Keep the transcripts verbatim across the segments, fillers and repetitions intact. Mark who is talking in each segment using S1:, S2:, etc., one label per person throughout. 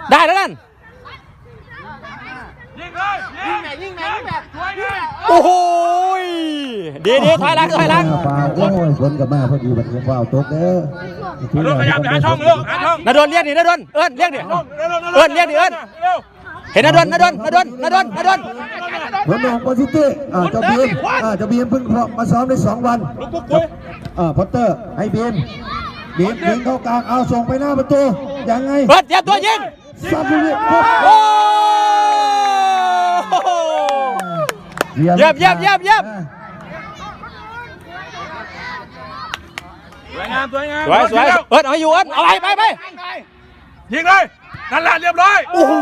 S1: ได้แล้วนั่น
S2: ยิงเลยยิงไหนยิงไหนแบบสวยเลย
S1: โอ้โหดีดีถอยหลังถอยหลัง
S3: ฟาวโอ้ยฝนกับมาพอดีบัดนี้ฟาวตกเด้อ
S2: ลูกขยับหาช่องลูกหาช่อง
S1: นาดนเรียกดินาดนเอิญเรียกดิเอิญเรียกดิเอิญเห็นนาดนนาดนนาดนนาดนนาดน
S3: หัวหนองโปรซิตี้อ่าเจ้าบีมอ่าเจ้าบีมเพิ่งมาซ้อมได้สองวันอ่าพอตเตอร์ให้บีมบีมยิงเข้ากลางเอาส่งไปหน้าประตูยังไง
S1: เปิดเตรียมตัวยิง
S3: ซัดลูก
S1: โอ้เยี่ยมเยี่ยมเยี่ยมเยี่ยม
S2: สวยงามสวยงาม
S1: สวยสวยเอิญเอาอยู่เอิญเอาไปไปไป
S2: ยิงเลยนั่นแหละเรียบร้อย
S1: โอ้โห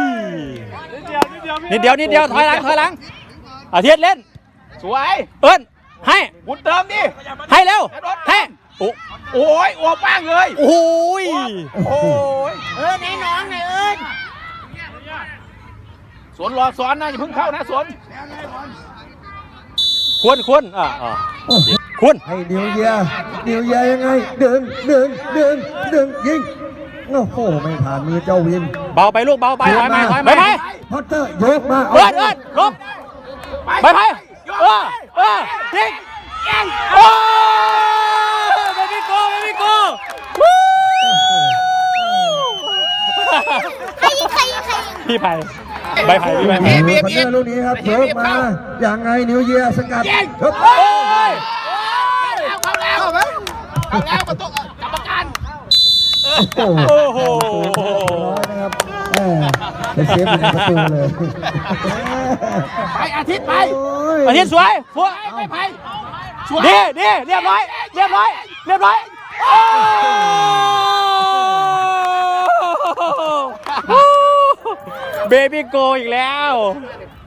S1: นิดเดียวนิดเดียวถอยหลังถอยหลังอาทิตย์เล่น
S2: สวย
S1: เอิญให้
S2: บุญเติมดิ
S1: ให้เร็วให้โอ้
S2: โอ้ยโอ้ป้างเลย
S1: โอ้ย
S2: โอ้ย
S4: เออไหนน้องไหนเอิญ
S2: สวนรอสอนนะอย่าเพิ่งเข้านะสวน
S1: ควรควรอ่าควร
S3: ให้เดียวเยียเดียวเยียยังไงดึงดึงดึงดึงยิงโอ้โหไม่ผ่านมือเจ้าวิน
S1: เบาไปลูกเบาไปถอยไปถอยไป
S3: พอตเตอร์ยกมา
S1: เอิญเอิญลบไปไปเออเออยิงโอ้เบบี้โก้เบบี้โก้
S4: ใครยิงใครยิงใครยิง
S1: พี่ไผ่ใบไผ่พี่ไผ่
S3: พอตเตอร์ลูกนี้ครับยกมาอย่างไงนิวเยียสกัดครับ
S2: เข้าแล้วเข้าแล้วเข้าแล้วประตูกรรมการ
S1: โอ้โห
S3: นะครับไปเซฟในประตูเลย
S2: ไปอาทิตย์ไป
S1: อาทิตย์สวยสวย
S2: ไปไป
S1: ดีดีเรียบร้อยเรียบร้อยเรียบร้อยเบบี้โกอีกแล้ว